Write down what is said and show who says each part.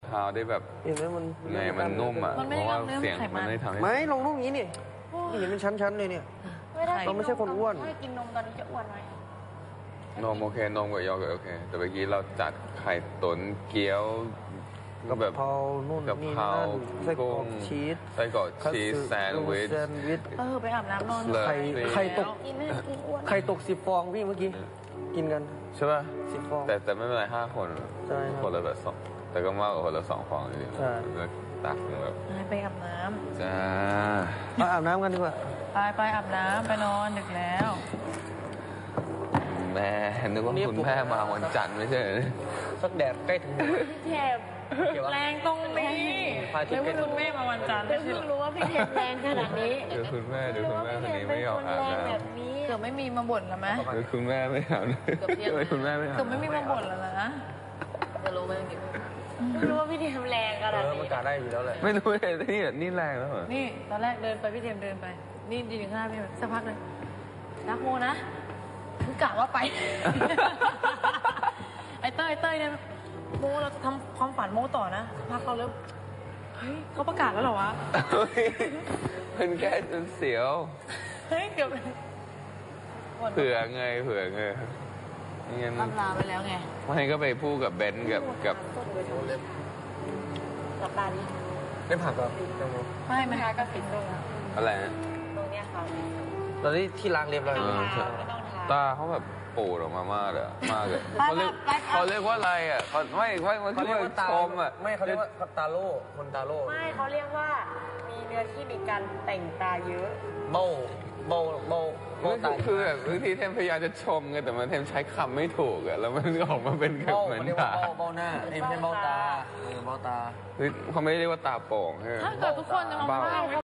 Speaker 1: ท้าได้แบบ
Speaker 2: เห็นไหมมัน
Speaker 1: ไงมันนุ่มอ่ะเพราะว่าเสียงมันไม่ทำให้
Speaker 2: ไม่ลงนุ่มอย่างนี้นี่เห็นเป็นชั้นๆเลยเนี่ยเราไม่ใช่คนอ้วน
Speaker 3: ถ้ากินนมตอนนี้จะอ้วนไหม
Speaker 1: นมโอเคนมกับยอเกิร์ตโอเคแต่เมื่อกี้เราจัดไข่ตุ๋นเกี๊ยวก็แบบ
Speaker 2: กะเพรานู่น
Speaker 1: กะเพรา
Speaker 2: ไส้กรอก
Speaker 1: กุ้ง
Speaker 2: ชีส
Speaker 1: ไส้กรอกชีสแซนด์วิช
Speaker 3: ไปอาบน้ำนอน
Speaker 2: ไข่ตก
Speaker 3: กินไม่กินอ้วน
Speaker 2: ไข่ตก10 ฟองพี่เมื่อกี้กินกัน
Speaker 1: ใช่ป่ะ
Speaker 2: 10 ฟอง
Speaker 1: แต่ไม่เป็นไร5 คน
Speaker 2: ใช่ครับ
Speaker 1: คนละแบบสองแต่ก็มากกว่าคนละ2 ฟองจริงๆ
Speaker 2: ใช่
Speaker 1: ตักแบบ
Speaker 3: ไปอาบน้
Speaker 1: จ้า
Speaker 2: มาอาบน้ำกันดีกว่า
Speaker 3: ำไปอาบน้ำไปนอนดึกแล้ว
Speaker 1: แม่นึกว่าคุณแม่มาวันจันทร์ไม่ใช่เหรอ
Speaker 2: สักแดดใกล้ถึงหัว
Speaker 3: เทพแรงตรงนี้แล้วคุณแม่มาวันจันทร์
Speaker 4: เพิ่งรู้ว่าพี่เทมแรงขนาดนี้
Speaker 1: เดี๋ยวคุณแม่คนนี้ไม่ยอมอาบน้ำ
Speaker 4: แบบนี้
Speaker 3: เกือบไม่มีมาบ่นแล้วไหม
Speaker 1: เดี๋ยวคุณแม่ไม่อาบน้ำทำไมคุณแม่ไม่อาบ
Speaker 3: เกือบไม่มีมาบ่นแล้วนะจะรู้ไหม
Speaker 4: เพิ่งรู้ว่าพี่เทมแรงขนาด
Speaker 2: มัน
Speaker 4: นี้
Speaker 2: กาได้อยู่แล้วแหละ
Speaker 1: ไม่รู้เลยนี่แรงแล้วเหรอ
Speaker 3: นี่ตอนแรกเดินไปพี่เทมเดินไปนี่ยืนอยู่ข้างหน้าพี่สักพักเลยรักโมนะคือกะว่าไป ไอ้เต้ยเนี่ยโมเราจะทำความฝันโมต่อนะสักพักเขาเริ่มเฮ้ยเขาประกาศแล้วเหรอวะ
Speaker 1: มันแค่จนเสียว
Speaker 3: เฮ้ยเกือบ
Speaker 1: เผื่อไงงั้น
Speaker 3: ลำลาไปแล้วไง
Speaker 1: ไม่ก็ไปพูดกับเบนซ์กับ
Speaker 4: หลับตาดิ
Speaker 2: ได้ผักกับแตงโม
Speaker 3: ไม่ไม่
Speaker 4: ทาก็ปิดตรง
Speaker 1: อะไรนะ
Speaker 4: ตรงเนี้ยค่ะ
Speaker 2: ตอนนี้ที่ล้างเรียบร้อย
Speaker 4: ไม่
Speaker 2: แล้ว
Speaker 4: ต้องทาไม่ต้องทา
Speaker 1: ตาเขาแบบปูดออกมามากเลยเขาเรียกว่าอะไรอ่ะมัน
Speaker 2: เขา
Speaker 1: คือ
Speaker 2: เรียกว่าตา
Speaker 1: ชมอ่ะ
Speaker 2: ไม่เขาเรียกว่าตาโล่คนตาโล่
Speaker 4: ไม่เขาเรียกว่ามีเนื้อที่มีการแต่งตาเยอะ
Speaker 2: เบ้าตา
Speaker 1: คือแบบบางทีเทมพยายามจะชมไงแต่มันเทมใช้คำไม่ถูกอ่ะแล้วมันออกมาเป็นแบบเหมือน
Speaker 2: เรียก
Speaker 1: ตา
Speaker 2: ว่าเบ้าหน้าไม่ใช่เบ้าตาเบ้าตา
Speaker 1: เขาไม่ได้เรียกว่าตาโป่งใช่ไหม
Speaker 3: ถ้าเกิดทุกคนจะมาว่า